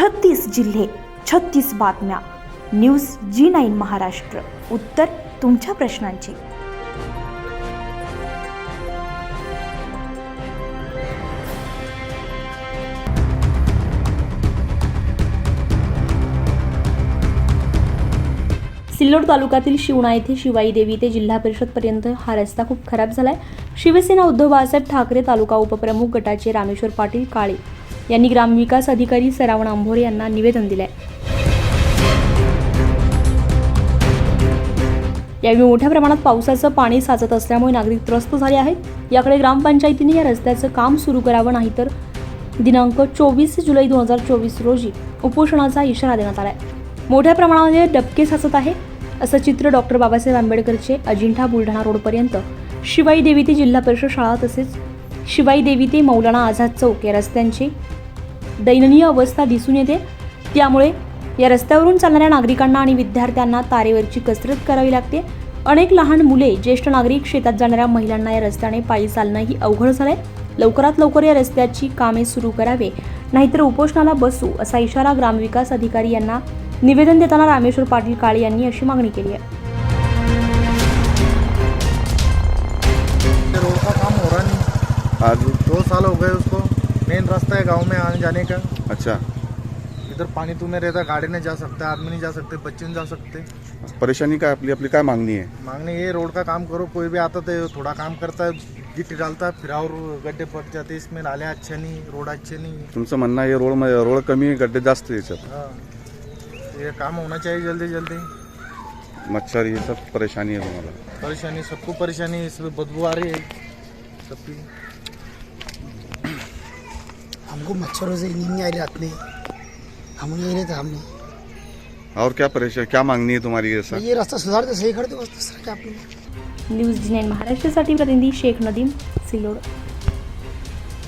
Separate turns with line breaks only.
36 जिल्हे, 36 बातम्या. News G9 Maharashtra. उत्तर तुमच्या प्रश्नांची. सिल्लोड तालुक्यातील शिवणा येथे शिवाई देवी ते जिल्हा परिषद पर्यंत हा रस्ता खूप खराब झालाय. शिवसेना उद्धव बाळासाहेब ठाकरे तालुका उपप्रमुख गटाचे रामेश्वर पाटील काळे यांनी ग्रामविकास अधिकारी सरावण अंभोरे यांना निवेदन दिले. यावेळी मोठ्या प्रमाणात पावसाचं पाणी साचत असल्यामुळे नागरिक त्रस्त झाले आहेत. याकडे ग्रामपंचायतीने या रस्त्याचं काम सुरू करावं, नाहीतर दिनांक 24 जुलै 2024 रोजी उपोषणाचा इशारा देण्यात आलाय. मोठ्या प्रमाणामध्ये डबके साचत आहे असं चित्र डॉक्टर बाबासाहेब आंबेडकरचे अजिंठा बुलढाणा रोडपर्यंत शिवाई देवी ते जिल्हा परिषद शाळा तसेच शिवाई देवी ते मौलाना आझाद चौक या रस्त्यांची दयनीय अवस्था दिसून येते. त्यामुळे या रस्त्यावरून चालणाऱ्या नागरिकांना आणि विद्यार्थ्यांना तारेवरची कसरत करावी लागते. अनेक लहान मुले, ज्येष्ठ नागरिक, शेतात जाणाऱ्या महिलांना या रस्त्याने पायी चालणंही अवघड झालंय. लवकरात लवकर या रस्त्याची कामे सुरू करावे, नाहीतर उपोषणाला बसू असा इशारा ग्रामविकास अधिकारी यांना निवेदन देताना रामेश्वर पाटील काळे यांनी अशी मागणी केली आहे.
रोड का काम हो रहा नहीं.
आज
2 साल हो गए उसको. मेन रास्ता है गांव में आने जाने का.
अच्छा,
इधर पानी तुम्हें रहता, गाड़ी नहीं जा सकता, आदमी नहीं जा सकते, बच्चे नहीं जा सकते.
परेशानी काय आपली आपली काय मागणी आहे?
मांगने ये रोड का काम करो. कोई भी आता तो थोड़ा काम करता है, गिट्टी डालता है, फिर और गड्ढे पड़ जाते. इसमें नाले अच्छे नहीं, रोड अच्छे नहीं.
तुमचं म्हणणं आहे रोड कमी, गड्डे जास्त याच्यात.
हाँ, ये काम होना चाहिए जल्दी जल्दी.
मच्छर ये सब परेशानी है तुम्हाला?
परेशानी, सबको परेशानी है. इसमें बदबू आ रही है सबकी.
हमको मच्छरों से नींद नहीं आ रही रात में. हम यही रहते हमने.
और क्या मागणी आहे तुम्हारी? ऐसा
ये रास्ता सुधार दे, सही कर दो, बस दूसरा क्या आपने.
न्यूज G9 महाराष्ट्रासाठी प्रतिनिधी शेख नदीम, सिल्लोड.